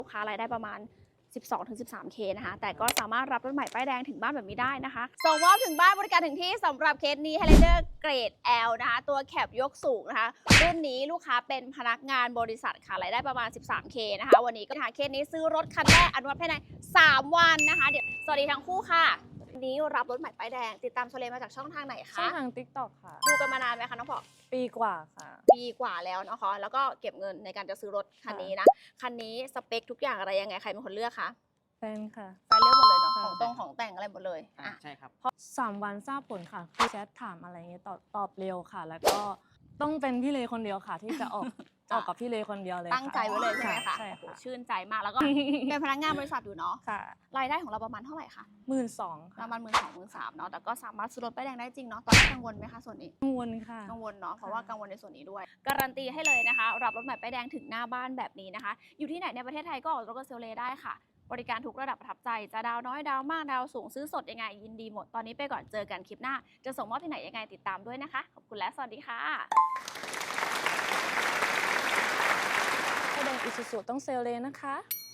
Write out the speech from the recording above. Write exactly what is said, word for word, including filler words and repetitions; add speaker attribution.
Speaker 1: ลูกค้ารายได้ประมาณ สิบสองถึงสิบสามเค นะคะแต่ก็สามารถรับรถใหม่ป้ายแดงถึงบ้านแบบนี้ได้นะคะส่งมอบถึงบ้านบริการถึงที่สำหรับเคสนี้ Highlander เกรด แอล นะคะตัวแคปยกสูงนะคะรุ่นนี้ลูกค้าเป็นพนักงานบริษัทค่ะรายได้ประมาณ สิบสามเค นะคะวันนี้ก็หาเคสนี้ซื้อรถคันแรกอนุมัติภายในสามวันนะคะเดี๋ยวสวัสดีทั้งคู่ค่ะวันนี้รับรถใหม่ป้ายแดงติดตามโซเลมาจากช่องทางไหนคะ
Speaker 2: ช่องทาง ติ๊กต็อก ค่ะ
Speaker 1: ดูกันมานานไหมคะน้องพอ
Speaker 2: ปีกว่าค่ะ
Speaker 1: ปีกว่าแล้วนะคะแล้วก็เก็บเงินในการจะซื้อรถคันนี้นะคันนี้สเปคทุกอย่างอะไรยังไงใครเป็นคนเลือกคะ
Speaker 2: แฟนค่ะ
Speaker 1: แฟนเลือกหมดเลยเนาะ
Speaker 2: ค่ะ
Speaker 1: ของตรงของแต่งอะไรหมดเลย
Speaker 3: อ่า
Speaker 1: อ่ะ
Speaker 3: ใช่ครับ
Speaker 2: สามวันทราบผลค่ะคือแชทถามอะไรเงี้ยตอบตอบเร็วค่ะ แล้วก็ต้องเป็นพี่เลคนเดียวค่ะ ที่จะออก ออกกับพี่เลคนเดียวเลย
Speaker 1: ตั้งใจไว้เลยใช่ไหมคะ
Speaker 2: ใช่
Speaker 1: โอ้โห
Speaker 2: ค่ะ
Speaker 1: ชื่นใจมากแล้วก็ เป็นพนักงานบริษัทอยู่เนาะ
Speaker 2: ค่ะ
Speaker 1: รายได้ของเราประมาณเท่าไหร่คะ
Speaker 2: หมื่นสอง
Speaker 1: ป
Speaker 2: ค่ะ
Speaker 1: ระมาณหมื่นสองหมื่นสามเนาะแต่ก็สามารถซื้อรถป้ายแดงได้จริงเนาะตอนนี้กังวลไหมคะส่วนนี้
Speaker 2: กังวลค่ะ
Speaker 1: กังวลเนาะเพราะว่ากังวลในส่วนนี้ด้วยการันตีให้เลยนะคะรับรถใหม่ป้ายแดงถึงหน้าบ้านแบบนี้นะคะอยู่ที่ไหนในประเทศไทยก็ออกรถกับเซลเลได้ค่ะบริการทุกระดับประทับใจจะดาวน้อยดาวมากดาวสูงซื้อสดยังไงยินดีหมดตอนนี้ไปก่อนเจอกันคลิปหน้าจะส่งมอบที่ไหนยังไงติดตามด้วยนะคะขอบคุณและสวัสดีค่ะ
Speaker 2: ป้ายแดงอิซูซูต้องเซลเลนะคะ